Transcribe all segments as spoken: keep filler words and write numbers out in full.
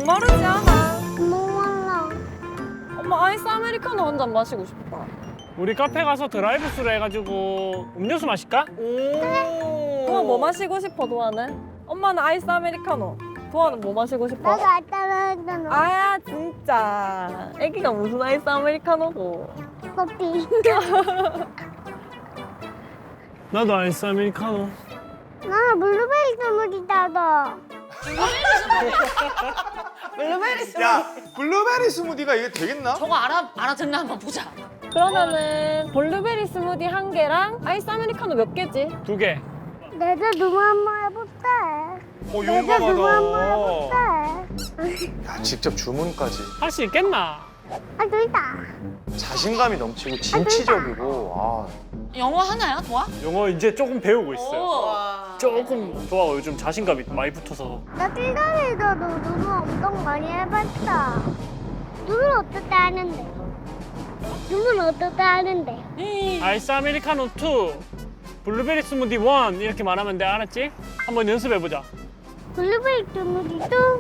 목마르지 않아? 목말라. 엄마 아이스 아메리카노 한 잔 마시고 싶다. 우리 카페 가서 드라이브 스루 해가지고 음료수 마실까? 도아 뭐 마시고 싶어, 도아는? 엄마는 아이스 아메리카노. 도아는 뭐 마시고 싶어? 나도 아따라 했잖아. 아, 진짜. 애기가 무슨 아이스 아메리카노고. 커피. 나도 아이스 아메리카노. 나는 블루베리 스무디다, 너. 블루베리 스무디. 야, 블루베리 스무디가 이게 되겠나? 저거 알아 알아듣나 한번 보자. 그러면은 블루베리 스무디 한 개랑 아이스 아메리카노 몇 개지? 두 개. 내가 누구 한번 해볼게. 어, 내가 누구 한번 용감하다. 해볼게. 야, 직접 주문까지. 할 수 있겠나? 아, 둘다. 자신감이 넘치고 진취적이고. 아, 영어 하나요, 도아? 영어 이제 조금 배우고 있어요. 오. 조금 좋아. 요즘 자신감이 많이 붙어서. 나 til다리도 누구 엄청 많이 해봤어. 누구는 어떻게 하는데? 누구는 어떻게 하는데? 에이. 아이스 아메리카노 투, 블루베리 스무디 원 이렇게 말하면 돼. 알았지? 한번 연습해보자. 블루베리 스무디도.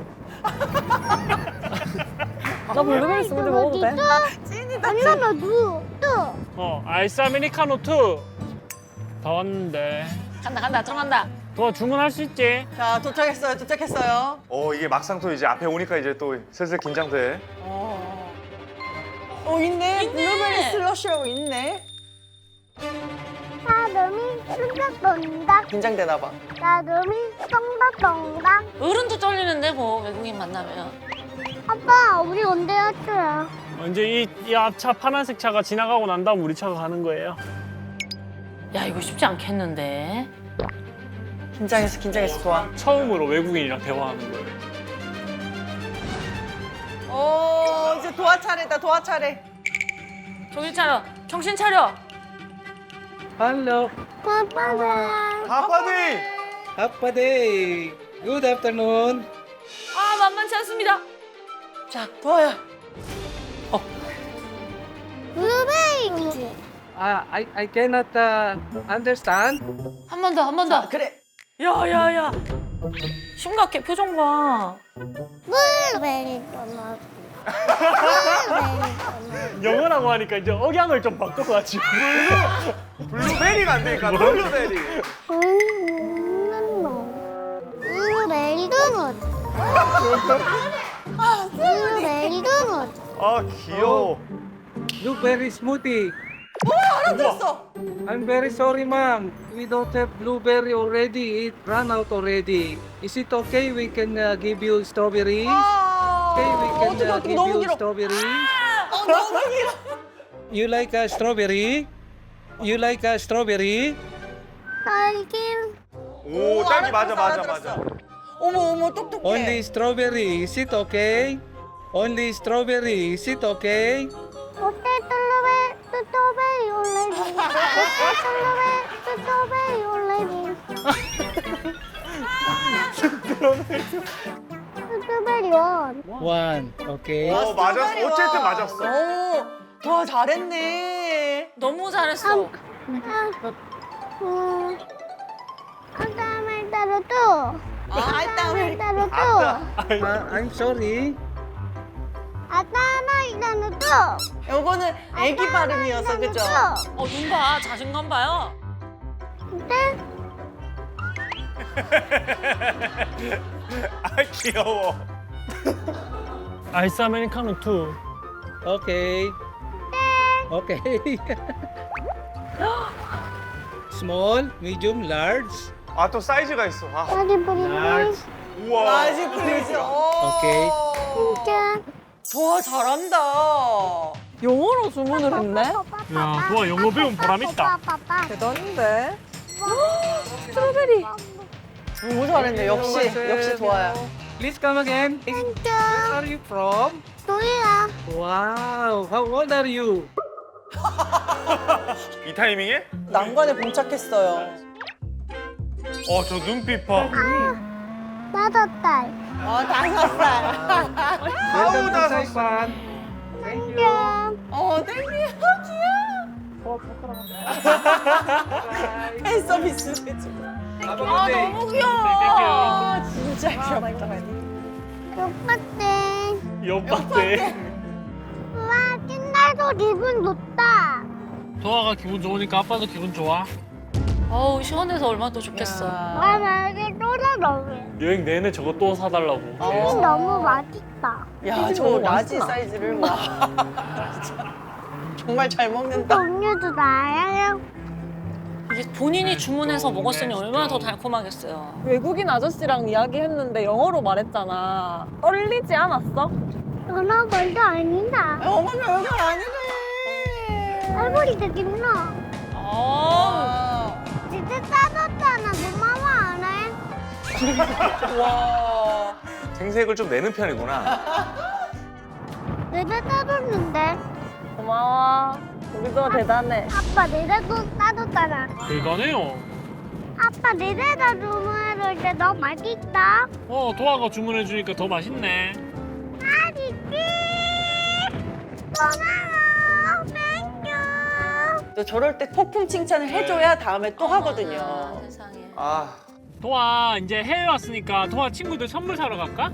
나 블루베리 스무디 먹어도 돼? 찐이다. 아니, 나 누, 또. 어, 아이스 아메리카노 투. 다 왔는데. 간다 간다 들어간다. 도와 주문할 수 있지? 자, 도착했어요, 도착했어요. 어, 이게 막상 또 이제 앞에 오니까 이제 또 슬슬 긴장돼. 어, 어 있네. 있네. 블루베리 슬러시라고 있네. 사람이 뚱닥뚱닥. 긴장되나 봐. 사람이 뚱닥뚱닥. 어른도 떨리는데 뭐 외국인 만나면. 아빠, 우리 언제 왔어요? 이제 이, 이 앞차 파란색 차가 지나가고 난 다음 우리 차가 가는 거예요. 야 이거 쉽지 않겠는데. 긴장했어, 긴장했어, 도와. 처음으로 외국인이랑 대화하는 거예요. 어, 이제 도화 차례다, 도화 차례. 정신 차려. 정신 차려. Hello, 빠빠다. 아빠디! Appa day. Good afternoon. 아 만만치 않습니다. 자, 도화야. 블루베리. Uh, I I cannot uh, understand. 한 번 더 한 번 더. 그래. 야야야. 심각해 표정 봐. 블루베리 떠나. 블루베리 떠나. 영어라고 하니까 이제 억양을 좀 바꿔가지고. 블루베리가 안 되니까 블루베리. 음, 블루베리 도넛. 블루베리 도넛. 아, 귀여워. Blueberry smoothie. 알아들었어. I'm very sorry, ma'am. We don't have blueberry already. It ran out already. Is it okay? We can uh, give you strawberries. 아, Okay, we can 어떡해, uh, 어떡해, give 너무 you 길어. strawberries. 어, 너무 길어. You like a strawberry? You like a strawberry? 딸기. 오, 딸기 맞아, 맞아, 알아들었어. 맞아. 어머, 어머, 똑똑해. Only strawberry. Is it okay? Only strawberry. Is it okay? 어때 블루베리 스트로베리 올레미. 어때 블루베리 스트로베리 올레미. 스트로베리 원. One. Okay. 어, 맞았어. 어쨌든 맞았어. 오, 도화 잘했네. 너무 잘했어. 아, 음. 아따말 따로 또. 아, 아따말 따로 또. 아따. Uh, I'm sorry. 아따말 따로 또. 요거는 애기 발음이어서, 그죠? 어 눈 봐. 자신감 봐요. 네? 아, 귀여워. 아이스 아메리카노 투. Okay. Okay. Small, medium, large. 아, 또 사이즈가 있어. 아, 어디 보리 Large. 우와. 라지 플리즈. 오케이. 짠. 도화 잘한다. 영어로 주문을 했네? 야, 도아 영어 배운 보람 있다. 대단한데? 스트로베리. 너무 잘했네. 역시, 역시 도화야. Please come again. Where are you from? 도리야. Wow. How old are you? 이 타이밍에? 난관에 봉착했어요. 어, 저 눈빛 봐. 다섯 달. 어, 다섯 살. Welcome to 나섰어. Saipan. Thank you. 짠. 어, 땡큐. 귀여워. 팬 서비스 해줘. Have a 아 good day. 너무 귀여워. 진짜 귀엽다. 똑같대. 옆밭에. 우와, 신나서 기분 좋다. 도아가 기분 좋으니까 아빠도 기분 좋아. 어우 시원해서 얼마나 또 좋겠어. 아, 나 이게 또 사달래. 여행 내내 저거 또 사달라고. 어. 너무 맛있다. 야, 저 너무 라지 맛있다. 사이즈를 와. 정말 잘 먹는다. 음료도 나야. 이게 본인이 주문해서 먹었으니 얼마나 더 달콤하겠어요. 외국인 아저씨랑 이야기했는데 영어로 말했잖아. 떨리지 않았어? 너나 벌도 아니다. 아, 어머니 여기 아니래. 할머니도 김나. 어. 아, 진짜 싸졌잖아. 고마워 안 해? 와. 생색을 좀 내는 편이구나. 내가 싸줬는데. 고마워. 우리도 대단해. 아빠 내가 또 싸줬잖아. 대단해요. 아빠 내가 주문해줄 때 너무 맛있다. 어, 도아가 주문해 주니까 더 맛있네. 맛있지? 고마워. 땡큐. 또 저럴 때 폭풍 칭찬을 해줘야 다음에 또 하거든요. 어머나, 세상에. 아, 도아 이제 해외 왔으니까 도아 친구들 선물 사러 갈까?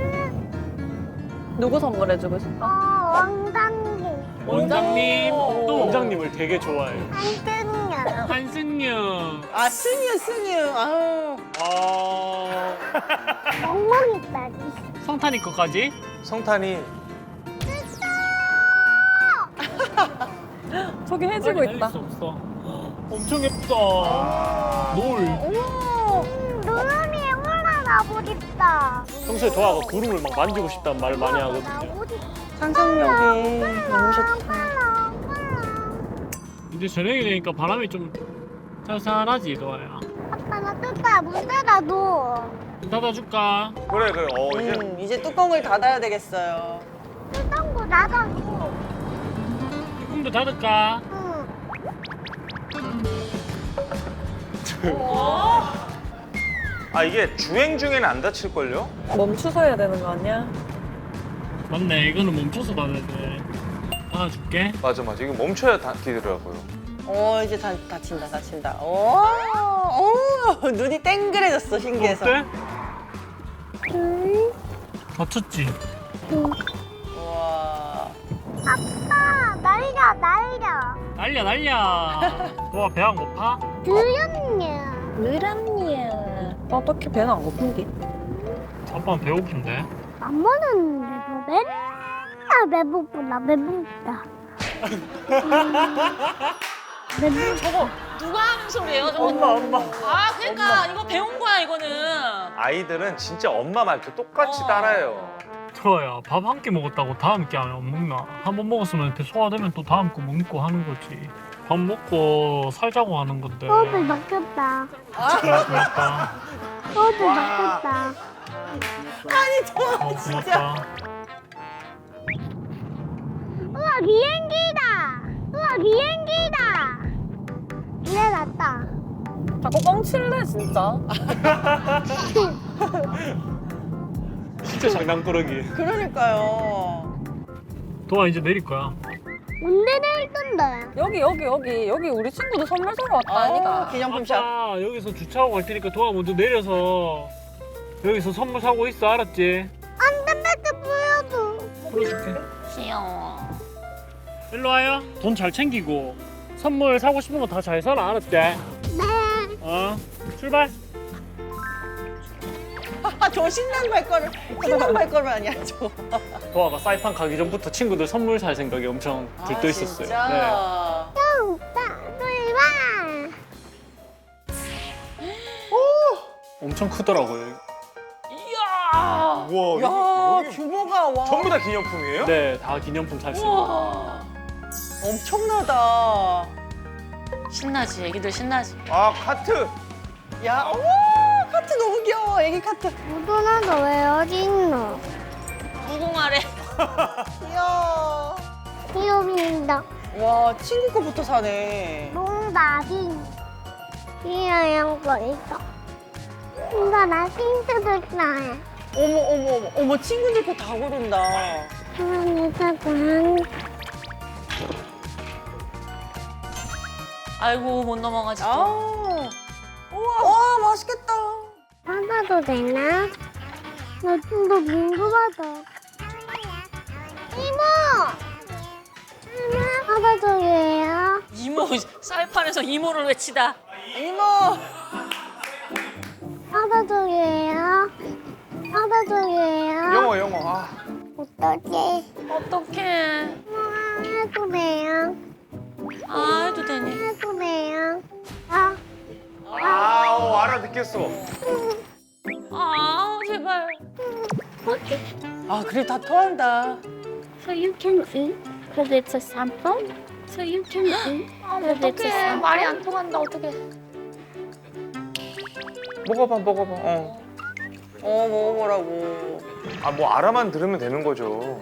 누구 선물해주고 싶어? 어, 왕당기. 원장님. 오. 또 원장님을 되게 좋아해요. 한승연. 한승유. 아, 승유, 승유. 아우. 어, 멍멍이 따기. 성탄이 거까지. 성탄이 저기 해지고 빨리 있다. 달릴 수 없어. 엄청 예쁘다. 노을. 음, 눈 위에 올라가 보겠다. 평소에 도아가 구름을 막 만지고 싶다는 말을 많이 하거든요. 상상력이 너무 좋다. 이제 저녁이 되니까 바람이 좀 살살하지, 도아야. 아빠 나 뜯다 문 닫아도 좀 닫아줄까? 그래 그래. 어 이제 음, 이제 뚜껑을 닫아야 되겠어요. 뜯던 거 닫아도 조금 더 닫을까? 응. 아 이게 주행 중에는 안 다칠 걸요? 멈추서 해야 되는 거 아니야? 맞네, 이거는 멈춰서 닫아야 돼. 닫아줄게. 맞아 맞아. 이거 멈춰야 닫히더라고요. 어, 이제 다, 다친다, 다친다. 오, 오, 눈이 땡그레졌어, 신기해서. 어때? 응. 다쳤지? 와. 아빠 날려 날려 날려 날려. 도아 배 안 고파? 드렸냐 느란니야. 어떻게 배는 안 고픈디? 아빠는 배고픈데. 안 먹었는데도 맨날 배고프다 배고프다 배고프다. 저거 누가 하는 소리예요? 저거? 엄마 엄마. 아 그러니까 이거 배운 거야 이거는. 아이들은 진짜 엄마 말투 똑같이 어. 따라해요. 도아야, 밥 한 끼 먹었다고 다음 끼 안 먹나? 한 번 먹었으면 배 소화되면 또 다음 거 먹고 하는 거지. 밥 먹고 살자고 하는 건데. 호흡을 막혔다 고맙다. 호흡을 막혔다. 아니, 저 어, 진짜. 고맙다. 우와 비행기다 우와 비행기다 이래 났다. 자꾸 뻥칠래 진짜. 진짜 장난꾸러기. 그러니까요. 도아 이제 내릴 거야. 언제 내릴 건데? 여기 여기 여기 여기 우리 친구도 선물 사러 왔다 아, 아니가. 기념품샵. 아빠 여기서 주차하고 갈 테니까 도아 먼저 내려서 여기서 선물 사고 있어, 알았지? 안전벨트 보여줘. 풀어줄게. 귀여워. 일로 와요. 돈 잘 챙기고 선물 사고 싶은 거 다 잘 사라, 알았지? 네. 어, 출발. 아, 저 신난 발걸음, 신난 발걸음 아니야, 저. 도아가 사이판 가기 전부터 친구들 선물 살 생각이 엄청 들떠 아, 있었어요. 진짜? 네. 오빠 놀봐. 엄청 크더라고요. 이야. 우와. 야, 여기 규모가 와. 전부 다 기념품이에요? 네, 다 기념품 살 수 있는. 우와. 엄청나다. 신나지 애기들 신나지. 아 카트. 야, 어머, 카트 너무 귀여워, 애기 카트. 무도나도 왜 어디 있노? 무궁화래. 귀여워. 귀여운다. 와, 친구 거부터 사네. 농다긴. 귀여운 거 있어. 이거 나 힌트도 있나? 어머, 어머, 어머, 어머, 친구들 거 다 고른다. 하나, 사고 한. 아이고 못 넘어가지 또. 아, 우와, 와, 맛있겠다. 받아도 되나? 나 좀 더 궁금하다. 이모! 아빠쪽이에요. 이모 쌀판에서 이모를 외치다. 이모. 아빠쪽이에요. 아빠쪽이에요. 영어 영어. 아. 어떡해. 어떡해. 아, 해도 돼요. 아 해도 되니. 해도 돼요. 아, 아우 알아듣겠어. 아 제발. 아 그래 다 토한다. So you can eat because it's a sample. So you can eat because it's a 어떡해. sample. 말이 안 통한다. 어떡해. 먹어봐 먹어봐. 어. 어 먹어보라고. 아 뭐 알아만 들으면 되는 거죠.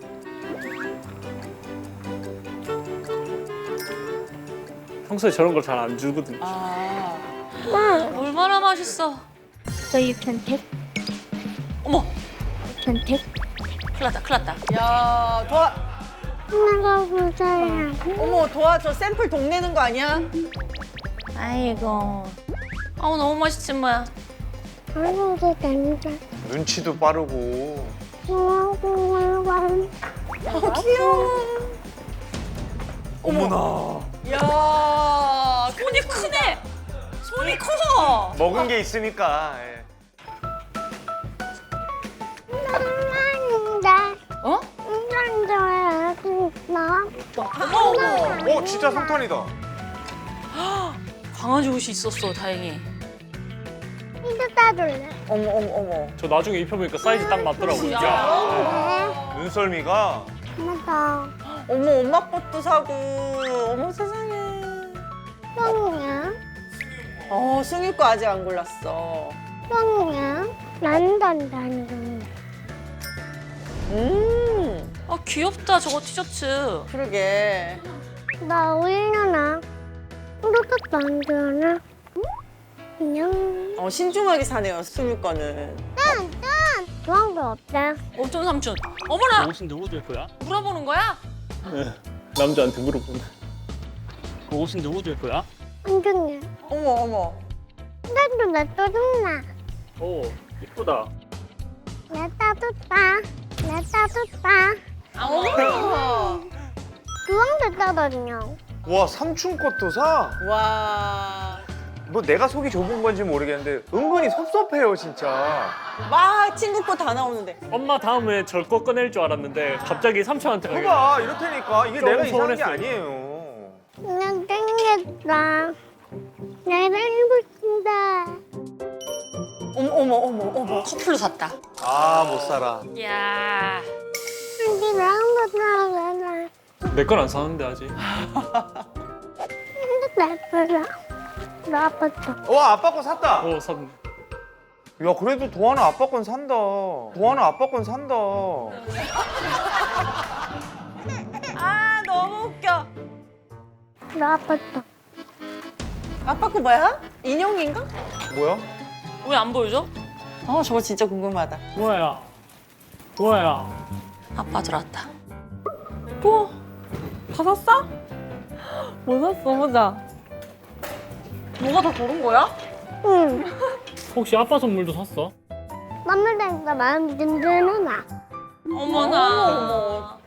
평소에 저런 걸 잘 안 주거든. 아. 얼마나 맛있어. So you can take, 어머 you can take. 큰일 났다 큰일 났다. 야 도아. 하나가 보자야. 어머 도아 저 샘플 동내는 거 아니야? 아이고. 아우 너무 맛있지 뭐야. 아무도 된다. 눈치도 빠르고. 고마워. 어 귀여워. 어머나. 야 손이 크네. 손이 커. 먹은 게 있으니까. 예. 엄마인데. 어? 엄청 좋아해. 나. 어머 어머. 어 진짜 성탄이다. 강아지 옷이 있었어 다행히. 이거 따줄래? 어머 어머 어머. 저 나중에 입혀보니까 사이즈 딱 맞더라고요. 야. 네. 눈썰미가. 맞아. 어머 엄마 것도 사고. 어머 세상에. 똥이야. 어 승희 거 아직 안 골랐어. 똥이야. 난단 단단. 음 아 귀엽다 저거 티셔츠. 그러게. 나 우유나. 이렇게 안 좋아하나? 안녕. 어 신중하게 사네요 승희 거는. 짠! 짠! 그런 거 없다. 어떤 삼촌. 어머나 옷은 누구 줄 거야? 물어보는 거야? 남자한테 물어보네. 그 옷은 누구 줄 거야? 안중이야. 어머 어머. 나도 나 떠준다. 오 이쁘다. 나 따뜻다. 나 따뜻다. 아 어머. 그런 게 따거든요. 와 삼촌 것도 사? 와. 뭐 내가 속이 좁은 건지 모르겠는데 은근히 섭섭해요 진짜. 막 친구 거 다 나오는데. 엄마 다음에 절 거 꺼낼 줄 알았는데 갑자기 삼촌한테 가게. 봐봐 이렇다니까 이게 조금 내가 이상한 게 서운했어요. 아니에요. 그냥 땡겼다. 내가 일고 싶다. 어머 어머 어머 어머. 커플로 샀다. 아 못 살아. 야. 근데 나한 번 나가잖아. 내 건 안 사는데 아직. 근데 나쁘다. 나 아팠다. 와 아빠 거 샀다. 오 샀네. 야 그래도 도하나 아빠 건 산다. 도하나 아빠 건 산다. 아 너무 웃겨. 나 아팠다. 아빠 거 뭐야? 인형인가? 뭐야? 왜 안 보여줘? 어 저거 진짜 궁금하다. 뭐야? 뭐야? 아빠 들어왔다. 또? 다 샀어? 뭐 샀어? 보자. 뭐가 다 고른 거야? 응. 혹시 아빠 선물도 샀어? 맘을 대니까 마음이 든든하나. 어머나. 어머.